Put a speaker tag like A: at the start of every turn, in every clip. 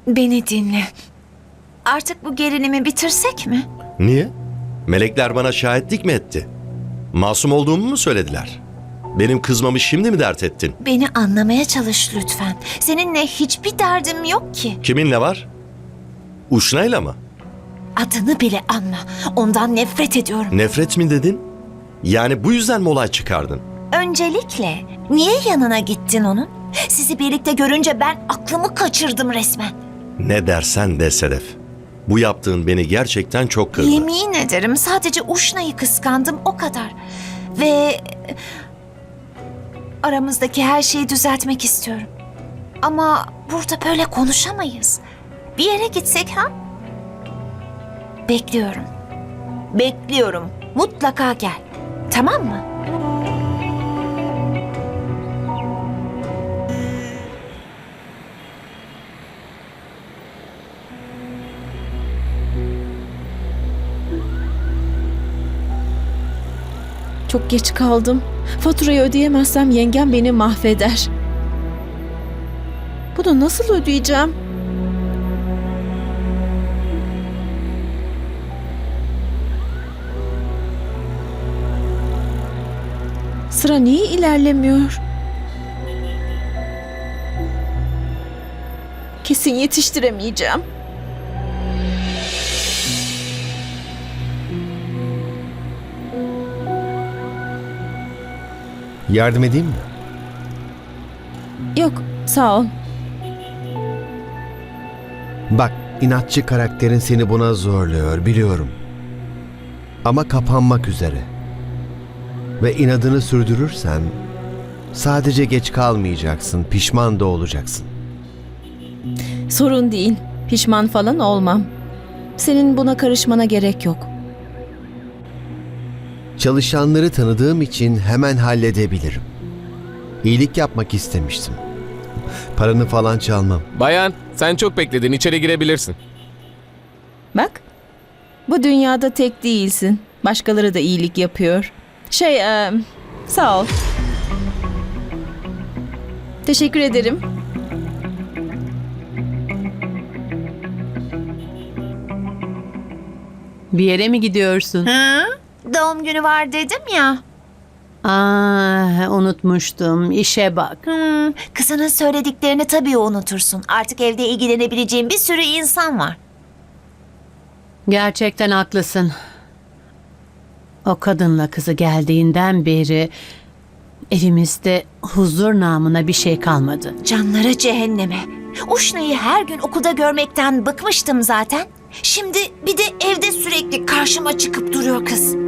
A: Beni dinle. Artık bu gerilimi bitirsek mi?
B: Niye? Melekler bana şahitlik mi etti? Masum olduğumu mu söylediler? Benim kızmamı şimdi mi dert ettin?
A: Beni anlamaya çalış lütfen. Seninle hiçbir derdim yok ki.
B: Kiminle var? Uşna'yla mı?
A: Adını bile anma. Ondan nefret ediyorum.
B: Nefret mi dedin? Yani bu yüzden mi olay çıkardın?
A: Öncelikle niye yanına gittin onun? Sizi birlikte görünce ben aklımı kaçırdım resmen.
B: Ne dersen de Sedef. Bu yaptığın beni gerçekten çok kırdı.
A: Yemin ederim sadece Uşna'yı kıskandım, o kadar. Ve aramızdaki her şeyi düzeltmek istiyorum. Ama burada böyle konuşamayız. Bir yere gitsek ha? Bekliyorum. Bekliyorum. Mutlaka gel. Tamam mı?
C: Çok geç kaldım. Faturayı ödeyemezsem yengem beni mahveder. Bunu nasıl ödeyeceğim? Sıra niye ilerlemiyor? Kesin yetiştiremeyeceğim.
D: Yardım edeyim mi?
C: Yok, sağ ol.
D: Bak, inatçı karakterin seni buna zorluyor, biliyorum. Ama kapanmak üzere. Ve inadını sürdürürsen sadece geç kalmayacaksın, pişman da olacaksın.
C: Sorun değil. Pişman falan olmam. Senin buna karışmana gerek yok.
D: Çalışanları tanıdığım için hemen halledebilirim. İyilik yapmak istemiştim. Paranı falan çalmam.
E: Bayan, sen çok bekledin. İçeri girebilirsin.
C: Bak, bu dünyada tek değilsin. Başkaları da iyilik yapıyor. Sağ ol. Teşekkür ederim.
F: Bir yere mi gidiyorsun?
A: Hı? Doğum günü var dedim ya.
F: Unutmuştum. İşe bak.
A: Kızının söylediklerini tabii unutursun. Artık evde ilgilenebileceğin bir sürü insan var.
F: Gerçekten haklısın. O kadınla kızı geldiğinden beri evimizde huzur namına bir şey kalmadı.
A: Canları cehenneme. Uşna'yı her gün okulda görmekten bıkmıştım zaten. Şimdi bir de evde sürekli karşıma çıkıp duruyor kız.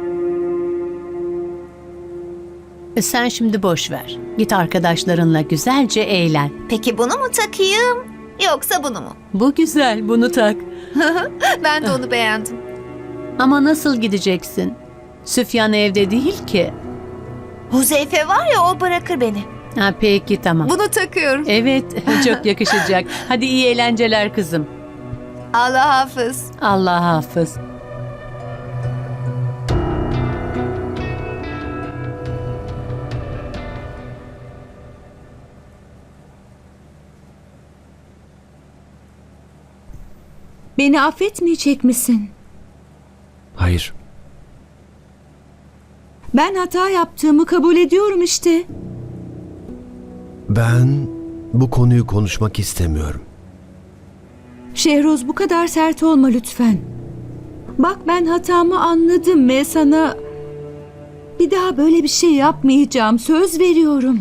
F: Sen şimdi boş ver. Git arkadaşlarınla güzelce eğlen.
A: Peki bunu mu takayım yoksa bunu mu?
F: Bu güzel, bunu tak.
A: Ben de onu beğendim.
F: Ama nasıl gideceksin? Süfyan evde değil ki.
A: Huzeyfe var ya, o bırakır beni.
F: Peki tamam.
A: Bunu takıyorum.
F: Evet, çok yakışacak. Hadi iyi eğlenceler kızım.
A: Allah hafız.
F: Allah hafız.
G: Beni affetmeyecek misin?
D: Hayır.
G: Ben hata yaptığımı kabul ediyorum işte.
D: Ben bu konuyu konuşmak istemiyorum.
G: Şehroz, bu kadar sert olma lütfen. Bak, ben hatamı anladım ve sana bir daha böyle bir şey yapmayacağım. Söz veriyorum.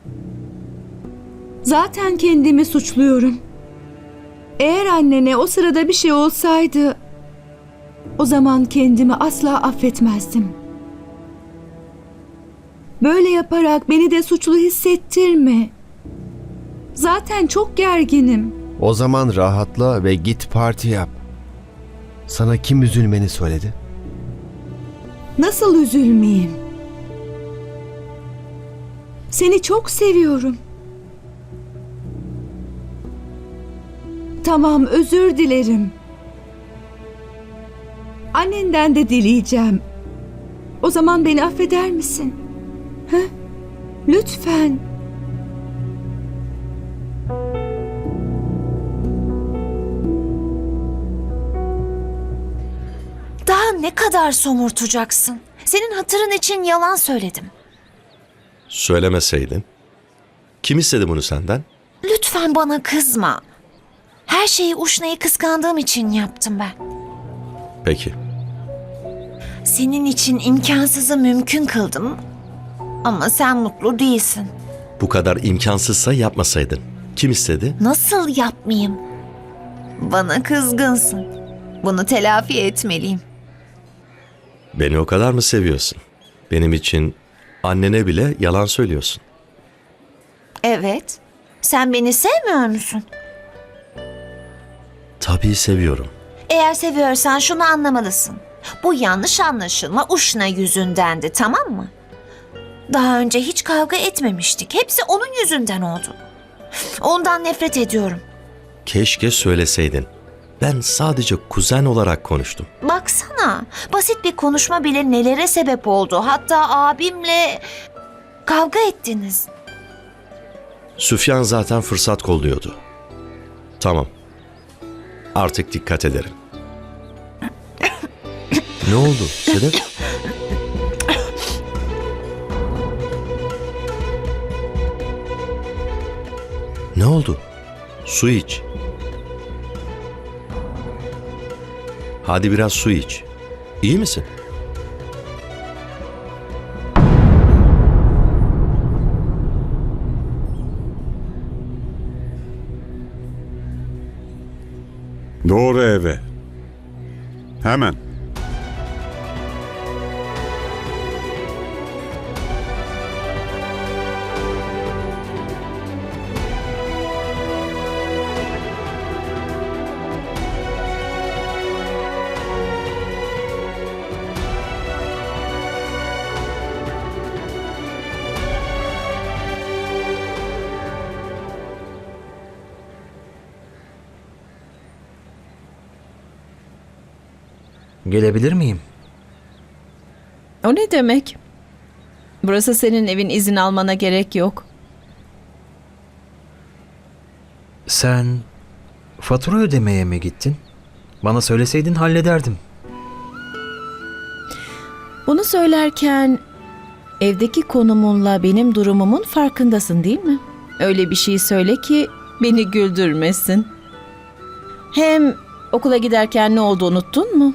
G: Zaten kendimi suçluyorum. Eğer annene o sırada bir şey olsaydı, o zaman kendimi asla affetmezdim. Böyle yaparak beni de suçlu hissettirme. Zaten çok gerginim.
D: O zaman rahatla ve git parti yap. Sana kim üzülmeni söyledi?
G: Nasıl üzülmeyeyim? Seni çok seviyorum. Tamam, özür dilerim. Annenden de dileyeceğim. O zaman beni affeder misin? He? Lütfen.
A: ne kadar somurtacaksın? Senin hatırın için yalan söyledim.
B: Söylemeseydin. Kim istedi bunu senden?
A: Lütfen bana kızma. Her şeyi Uşna'yı kıskandığım için yaptım ben.
B: Peki.
A: Senin için imkansızı mümkün kıldım. Ama sen mutlu değilsin.
B: Bu kadar imkansızsa yapmasaydın. Kim istedi?
A: Nasıl yapmayayım? Bana kızgınsın. Bunu telafi etmeliyim.
B: Beni o kadar mı seviyorsun? Benim için annene bile yalan söylüyorsun.
A: Evet. Sen beni sevmiyor musun?
B: Tabii seviyorum.
A: Eğer seviyorsan şunu anlamalısın. Bu yanlış anlaşılma Uşna yüzündendi, tamam mı? Daha önce hiç kavga etmemiştik. Hepsi onun yüzünden oldu. Ondan nefret ediyorum.
B: Keşke söyleseydin. Ben sadece kuzen olarak konuştum.
A: Baksana, basit bir konuşma bile nelere sebep oldu. Hatta abimle kavga ettiniz.
B: Süfyan zaten fırsat kolluyordu. Tamam. Artık dikkat ederim. Ne oldu Sedef? Ne oldu? Su iç. Hadi biraz su iç. İyi misin?
H: Doğru eve. Hemen.
I: Gelebilir miyim?
C: O ne demek? Burası senin evin, izin almana gerek yok.
I: Sen fatura ödemeye mi gittin? Bana söyleseydin hallederdim.
C: Bunu söylerken evdeki konumunla benim durumumun farkındasın değil mi? Öyle bir şey söyle ki beni güldürmesin. Hem okula giderken ne oldu unuttun mu?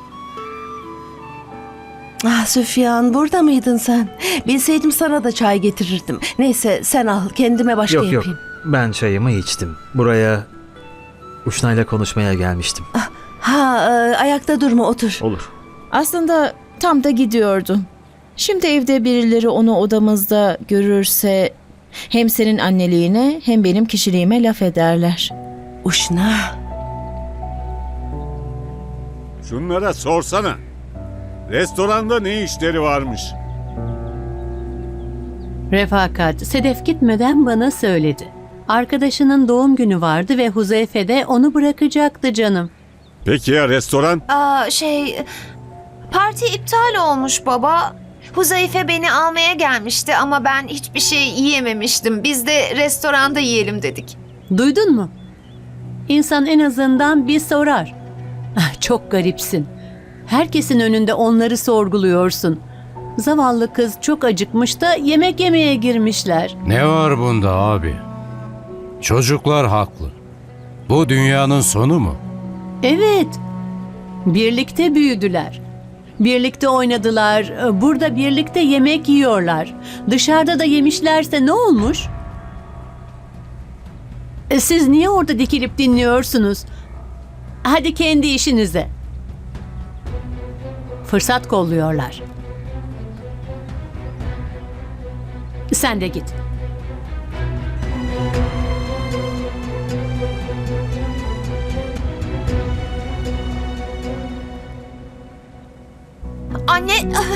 J: Ah Süfyan, burada mıydın sen? Bilseydim sana da çay getirirdim. Neyse sen al, kendime başka
I: Yok
J: yapayım.
I: ben çayımı içtim. Buraya Uşna'yla konuşmaya gelmiştim.
J: Ayakta durma, otur.
I: Olur.
C: Aslında tam da gidiyordu. Şimdi evde birileri onu odamızda görürse hem senin anneliğine hem benim kişiliğime laf ederler.
J: Uşna.
H: Şunlara sorsana. Restoranda ne işleri varmış?
F: Refakat, Sedef gitmeden bana söyledi. Arkadaşının doğum günü vardı ve Huzeyfe de onu bırakacaktı canım.
H: Peki ya restoran?
A: Parti iptal olmuş baba. Huzeyfe beni almaya gelmişti ama ben hiçbir şey yiyememiştim. Biz de restoranda yiyelim dedik.
F: Duydun mu? İnsan en azından bir sorar. Çok garipsin. Herkesin önünde onları sorguluyorsun. Zavallı kız çok acıkmış da yemek yemeye girmişler.
K: Ne var bunda abi? Çocuklar haklı. Bu dünyanın sonu mu?
F: Evet. Birlikte büyüdüler. Birlikte oynadılar. Burada birlikte yemek yiyorlar. Dışarıda da yemişlerse ne olmuş? Siz niye orada dikilip dinliyorsunuz? Hadi kendi işinize. Fırsat kolluyorlar. Sen de git.
A: Anne,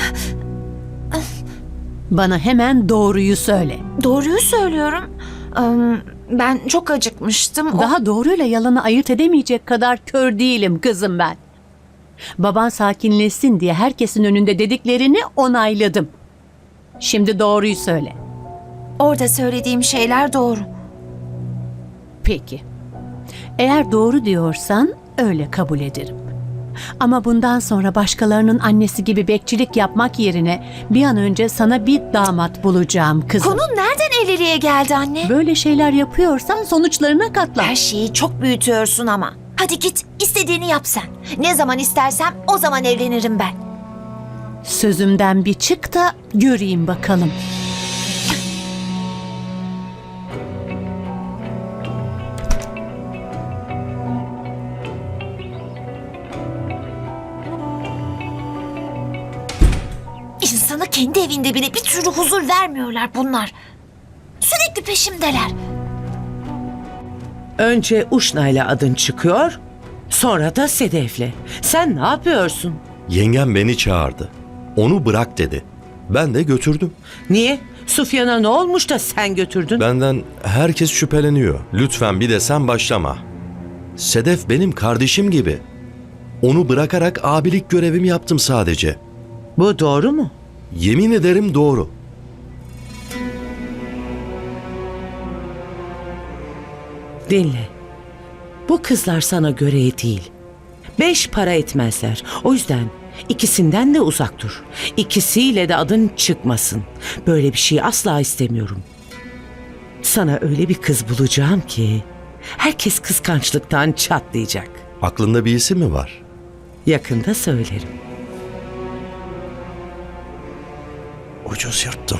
F: Bana hemen doğruyu söyle.
A: doğruyu söylüyorum. Ben çok acıkmıştım.
F: Daha doğruyla yalanı ayırt edemeyecek kadar kör değilim kızım ben. Baban sakinleşsin diye herkesin önünde dediklerini onayladım. Şimdi doğruyu söyle.
A: Orada söylediğim şeyler doğru.
F: Peki. Eğer doğru diyorsan öyle kabul ederim. Ama bundan sonra başkalarının annesi gibi bekçilik yapmak yerine bir an önce sana bir damat bulacağım kızım.
A: Konu nereden evliliğe geldi anne?
F: Böyle şeyler yapıyorsan sonuçlarına katlan.
A: Her şeyi çok büyütüyorsun ama. Hadi git, istediğini yap sen. Ne zaman istersem o zaman evlenirim ben.
F: Sözümden bir çık da göreyim bakalım.
A: İnsanı kendi evinde bile bir türlü huzur vermiyorlar bunlar. Sürekli peşimdeler.
L: Önce Uşna'yla adın çıkıyor, sonra da Sedef'le. Sen ne yapıyorsun?
B: Yengem beni çağırdı. Onu bırak dedi. Ben de götürdüm.
L: Niye? Sufyan'a ne olmuş da sen götürdün?
B: Benden herkes şüpheleniyor. Lütfen bir de sen başlama. Sedef benim kardeşim gibi. Onu bırakarak abilik görevimi yaptım sadece.
L: Bu doğru mu?
B: Yemin ederim doğru.
L: Dinle. Bu kızlar sana göre değil. 5 para etmezler. O yüzden ikisinden de uzak dur. İkisiyle de adın çıkmasın. Böyle bir şey asla istemiyorum. Sana öyle bir kız bulacağım ki herkes kıskançlıktan çatlayacak.
B: Aklında bir isim mi var?
L: Yakında söylerim.
B: Ucuz yırttım.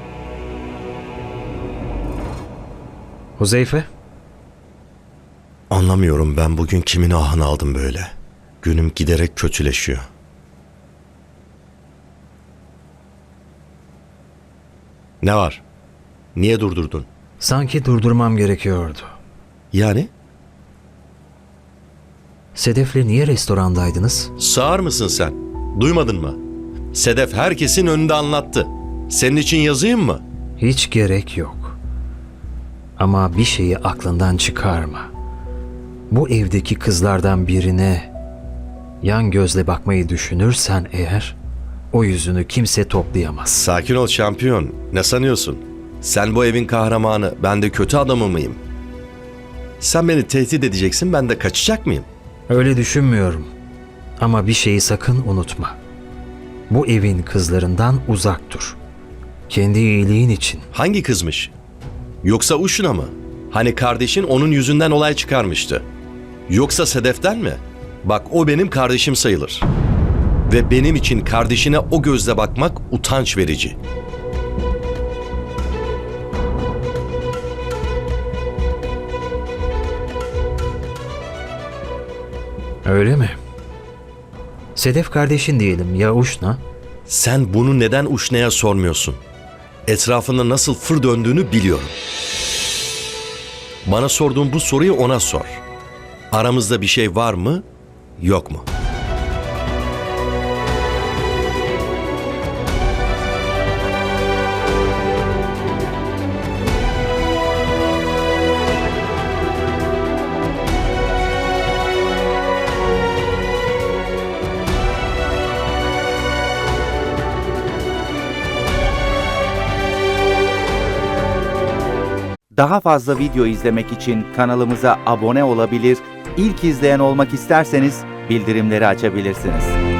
I: Huzeyfe,
B: Anlamıyorum ben bugün kimin ahını aldım böyle. Günüm giderek kötüleşiyor. Ne var? Niye durdurdun?
I: sanki durdurmam gerekiyordu.
B: Yani?
I: Sedef'le niye restorandaydınız?
B: Sağır mısın sen? Duymadın mı? Sedef herkesin önünde anlattı. Senin için yazayım mı?
I: Hiç gerek yok. Ama bir şeyi aklından çıkarma. Bu evdeki kızlardan birine yan gözle bakmayı düşünürsen eğer, o yüzünü kimse toplayamaz.
B: Sakin ol şampiyon. Ne sanıyorsun? Sen bu evin kahramanı, ben de kötü adamı mıyım? Sen beni tehdit edeceksin, ben de kaçacak mıyım?
I: Öyle düşünmüyorum. Ama bir şeyi sakın unutma. Bu evin kızlarından uzak dur. Kendi iyiliğin için.
B: Hangi kızmış? Yoksa Uşna mı? Hani kardeşin onun yüzünden olay çıkarmıştı. Yoksa Sedef'ten mi? Bak o benim kardeşim sayılır. Ve benim için kardeşine o gözle bakmak utanç verici.
I: Öyle mi? Sedef kardeşin diyelim ya Uşna?
B: Sen bunu neden Uşna'ya sormuyorsun? Etrafında nasıl fır döndüğünü biliyorum. Bana sorduğun bu soruyu ona sor. Aramızda bir şey var mı, yok mu?
M: Daha fazla video izlemek için kanalımıza abone olabilir, ilk izleyen olmak isterseniz bildirimleri açabilirsiniz.